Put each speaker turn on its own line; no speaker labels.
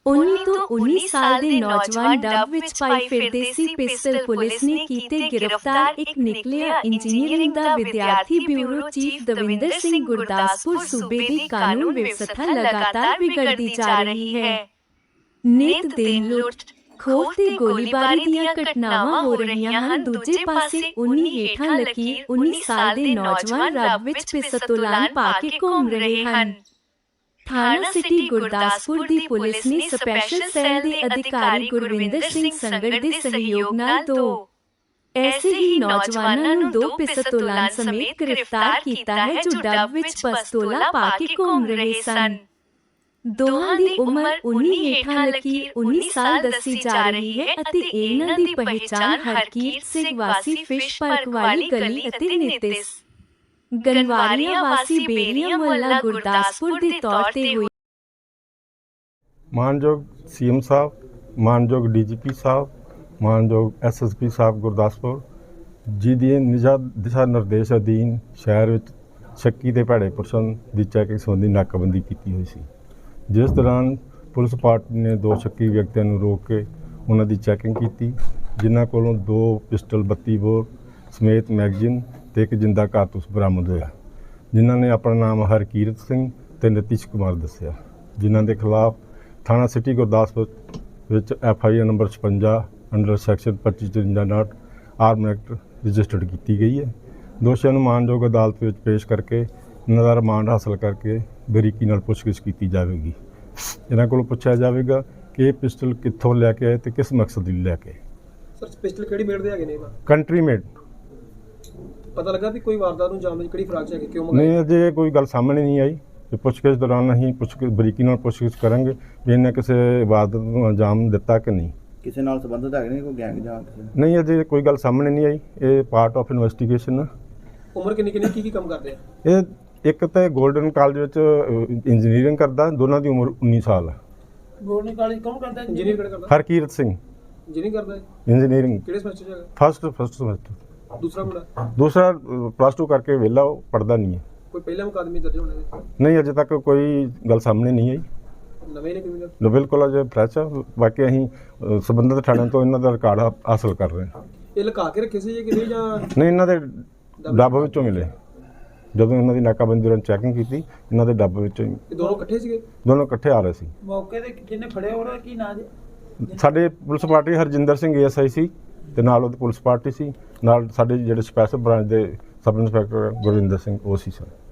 19 ਤੋਂ 19 ਸਾਲ ਦੇ ਨੌਜਵਾਨ ਡੱਬ ਵਿੱਚ ਪਾਈ ਫਿਰਦੇ ਸੀ ਪਿਸਟਲ। ਪੁਲਿਸ ਨੇ ਕੀਤੇ ਗ੍ਰਿਫਤਾਰ ਇੱਕ ਨਿਕਲਿਆ ਇੰਜੀਨੀਅਰਿੰਗ ਦਾ ਵਿਦਿਆਰਥੀ। Bureau chief Davinder Singh. ਗੁਰਦਾਸਪੁਰ ਸੂਬੇ ਦੀ ਕਾਨੂੰਨ ਵਿਵਸਥਾ ਲਗਾਤਾਰ ਵਿਗੜਦੀ ਜਾ ਰਹੀ ਹੈ। ਨਿਤ ਦਿਨ ਲੁੱਟ ਖੋਹ ਤੇ ਗੋਲੀਬਾਰੀ ਦੀਆਂ ਘਟਨਾਵਾਂ ਹੋ ਰਹੀਆਂ ਹਨ। ਦੂਜੇ ਪਾਸੇ 19 ਹੇਠਾਂ ਲਕੀਰ 19 ਸਾਲ ਦੇ ਨੌਜਵਾਨ ਰੱਬ ਵਿੱਚ ਪਿਸਤੌਲਾਂ ਪਾ ਕੇ ਘੁੰਮ ਰਹੇ ਹਨ। ਥਾਣਾ ਸਿਟੀ ਗੁਰਦਾਸਪੁਰ ਦੀ ਪੁਲਿਸ ਨੇ ਸਪੈਸ਼ਲ ਸੈੱਲ ਦੇ ਅਧਿਕਾਰੀ ਗੁਰਵਿੰਦਰ ਸਿੰਘ ਸੰਗੜ ਦੇ ਸਹਿਯੋਗ ਨਾਲ ਦੋ ਐਸੇ ਹੀ ਨੌਜਵਾਨਾਂ ਨੂੰ 2 ਪਿਸਤੌਲਾਂ ਸਮੇਤ ਗ੍ਰਿਫਤਾਰ ਕੀਤਾ ਹੈ ਜੋ ਡੱਬ ਵਿੱਚ ਪਿਸਤੌਲਾਂ ਪਾ ਕੇ ਘੁੰਮ ਰਹੇ ਸਨ। ਦੋਹਾਂ ਦੀ ਉਮਰ 19 ਹੇਠਾਂ ਲਕੀਰ 19 ਸਾਲ ਦੱਸੀ ਜਾ ਰਹੀ ਹੈ ਅਤੇ ਇਹਨਾਂ ਦੀ ਪਹਿਚਾਣ ਹਰਕੀਰਤ ਸਿੰਘ ਵਾਸੀ ਫਿਸ਼ ਪਾਰਕ ਵਾਲੀ ਗਲੀ ਅਤੇ ਨਿਤਿਸ ਗਨਵਾਰੀਆ ਵਾਸੀ ਬੇਰੀਆ ਮੁਹੱਲਾ ਗੁਰਦਾਸਪੁਰ ਦੇ ਤੌਰ ਤੇ ਹੋਈ।
ਮਾਨਯੋਗ ਸੀਐਮ ਸਾਹਿਬ, ਮਾਨਯੋਗ ਡੀਜੀਪੀ ਸਾਹਿਬ, ਮਾਨਯੋਗ ਐਸਐਸਪੀ ਸਾਹਿਬ ਗੁਰਦਾਸਪੁਰ ਜੀ ਦੀ ਦਿਸ਼ਾ ਨਿਰਦੇਸ਼ ਅਧੀਨ ਸ਼ਹਿਰ ਵਿੱਚ ਸ਼ੱਕੀ ਦੇ ਭੈੜੇ ਪੁਰਸ਼ਾਂ ਦੀ ਚੈਕਿੰਗ ਸੰਬੰਧੀ ਨਾਕਾਬੰਦੀ ਕੀਤੀ ਹੋਈ ਸੀ, ਜਿਸ ਦੌਰਾਨ ਪੁਲਿਸ ਪਾਰਟੀ ਨੇ 2 ਸ਼ੱਕੀ ਵਿਅਕਤੀਆਂ ਨੂੰ ਰੋਕ ਕੇ ਉਹਨਾਂ ਦੀ ਚੈਕਿੰਗ ਕੀਤੀ, ਜਿਨ੍ਹਾਂ ਕੋਲੋਂ 2 ਪਿਸਟਲ 32 ਬੋਰ ਸਮੇਤ ਮੈਗਜ਼ੀਨ ਤੇ ਇੱਕ ਜਿੰਦਾ ਕਾਰਤੂਸ ਬਰਾਮਦ ਹੋਇਆ, ਜਿਨ੍ਹਾਂ ਨੇ ਆਪਣਾ ਨਾਮ ਹਰਕੀਰਤ ਸਿੰਘ ਤੇ ਨਿਤਿਸ਼ ਕੁਮਾਰ ਦੱਸਿਆ, ਜਿਨ੍ਹਾਂ ਦੇ ਖਿਲਾਫ ਥਾਣਾ ਸਿਟੀ ਗੁਰਦਾਸਪੁਰ ਵਿੱਚ FIR number 56 under section 2553 arm act registered ਕੀਤੀ ਗਈ ਹੈ। ਦੋਸ਼ੀਆਂ ਨੂੰ ਮਾਨਯੋਗ ਅਦਾਲਤ ਵਿੱਚ ਪੇਸ਼ ਕਰਕੇ ਇਹਨਾਂ ਦਾ ਰਿਮਾਂਡ ਹਾਸਲ ਕਰਕੇ ਬਰੀਕੀ ਨਾਲ ਪੁੱਛਗਿੱਛ ਕੀਤੀ ਜਾਵੇਗੀ। ਇਹਨਾਂ ਕੋਲੋਂ ਪੁੱਛਿਆ ਜਾਵੇਗਾ ਕਿ ਇਹ ਪਿਸਟਲ ਕਿੱਥੋਂ ਲੈ ਕੇ ਆਏ ਤੇ ਕਿਸ ਮਕਸਦ ਲਈ ਲੈ ਕੇ।
ਸਰ ਪਿਸਟਲ ਕਿਹੜੀ ਮੇਡ ਦੇ ਹੈਗੇ ਨੇ?
Country made.
ਪਤਾ ਲੱਗਾ ਵੀ ਕੋਈ ਵਾਰਦਾਤ ਨੂੰ ਅੰਜਾਮ ਦੇਣ ਕਿਹੜੀ ਫਰਾਕ ਚ ਹੈਗੇ, ਕਿਉਂ ਮੰਗਾਈ?
ਨਹੀਂ, ਅਜੇ ਕੋਈ ਗੱਲ ਸਾਹਮਣੇ ਨਹੀਂ ਆਈ। ਪੁੱਛਗਿੱਛ ਦੌਰਾਨ ਅਸੀਂ ਬਰੀਕੀ ਨਾਲ ਪੁੱਛਗਿੱਛ ਕਰਾਂਗੇ ਵੀ ਇਹਨੇ ਕਿਸੇ ਵਾਰਦਾਤ ਨੂੰ ਅੰਜਾਮ ਦਿੱਤਾ ਕਿ ਨਹੀਂ,
ਕਿਸੇ ਨਾਲ ਸੰਬੰਧਿਤ ਹੈਗੇ ਨੇ, ਕੋਈ ਗੈਂਗ ਜਾਂ ਕਿਸੇ?
ਨਹੀਂ, ਅਜੇ ਕੋਈ ਗੱਲ ਸਾਹਮਣੇ ਨਹੀਂ ਆਈ। ਇਹ ਪਾਰਟ ਆਫ ਇਨਵੈਸਟੀਗੇਸ਼ਨ ਆ।
ਉਮਰ ਕਿੰਨੀ ਕੀ ਕੰਮ ਕਰਦੇ ਆ?
ਇਹ ਇੱਕ ਤਾਂ ਗੋਲਡਨ ਕਾਲਜ ਵਿੱਚ ਇੰਜੀਨੀਅਰਿੰਗ ਕਰਦਾ, ਦੋਨਾਂ ਦੀ ਉਮਰ 19 ਸਾਲ ਹੈ।
ਗੋਲਡਨ ਕਾਲਜ ਕੌਣ ਕਰਦਾ? ਇੰਜੀਨੀਅਰ ਕਿਹੜਾ ਕਰਦਾ?
ਹਰਕੀਰਤ ਸਿੰਘ
ਇੰਜੀਨੀਅਰਿੰਗ ਕਰਦਾ ਹੈ।
ਇੰਜੀਨੀਅਰਿੰਗ
ਕਿਹੜੇ ਸਮੈਸਟਰ ਚ ਹੈਗਾ?
First semester.
ਦੂਸਰਾ
ਪਲੱਸ 2 ਕਰਕੇ ਵਿਹਲਾ, ਉਹ ਪੜ੍ਹਦਾ ਨਹੀਂ ਹੈ।
ਕੋਈ ਪਹਿਲਾ ਮੁਕੱਦਮੇ ਦਰਜ ਹੋਣੇ ਨੇ?
ਨਹੀਂ, ਅਜੇ ਤੱਕ ਕੋਈ ਗੱਲ ਸਾਹਮਣੇ ਨਹੀਂ ਆਈ।
ਨਵੇਂ ਨੇ ਕ੍ਰਿਮੀਨਲ?
ਬਿਲਕੁਲ ਅਜੇ ਫਰੈਸ਼ ਆ। ਬਾਕੀ ਅਸੀਂ ਸੰਬੰਧਿਤ ਥਾਣਿਆਂ ਤੋਂ ਇਹਨਾਂ ਦਾ ਰਿਕਾਰਡ ਹਾਸਲ ਕਰ ਰਹੇ ਹਾਂ।
ਇਹ ਲੁਕਾ ਕੇ ਰੱਖੇ ਸੀ ਕਿ ਨਹੀਂ ਜਾਂ?
ਨਹੀਂ, ਇਹਨਾਂ ਦੇ ਡੱਬ ਵਿੱਚੋਂ ਮਿਲੇ। ਜਦੋਂ ਇਹਨਾਂ ਦੀ ਨਾਕਾਬੰਦੀ ਦੌਰਾਨ ਚੈਕਿੰਗ ਕੀਤੀ, ਇਹਨਾਂ ਦੇ ਡੱਬ ਵਿੱਚੋਂ।
ਇਹ ਦੋਨੋਂ ਇਕੱਠੇ ਸੀਗੇ?
ਦੋਨੋਂ ਇਕੱਠੇ ਆ ਰਹੇ ਸੀ।
ਮੌਕੇ ਤੇ ਜਿਹਨੇ ਫੜਿਆ ਉਹਦਾ ਕੀ ਨਾਂ ਜੀ?
ਸਾਡੇ police party Harjinder Singh ASI ਸੀ ਤੇ ਨਾਲ ਉਹਦੀ ਪੁਲਿਸ ਪਾਰਟੀ ਸੀ, ਨਾਲ ਸਾਡੇ ਜਿਹੜੇ ਸਪੈਸ਼ਲ ਬ੍ਰਾਂਚ ਦੇ ਸਬ ਇੰਸਪੈਕਟਰ ਗੁਰਵਿੰਦਰ ਸਿੰਘ ਉਹ ਸੀ ਸਰ।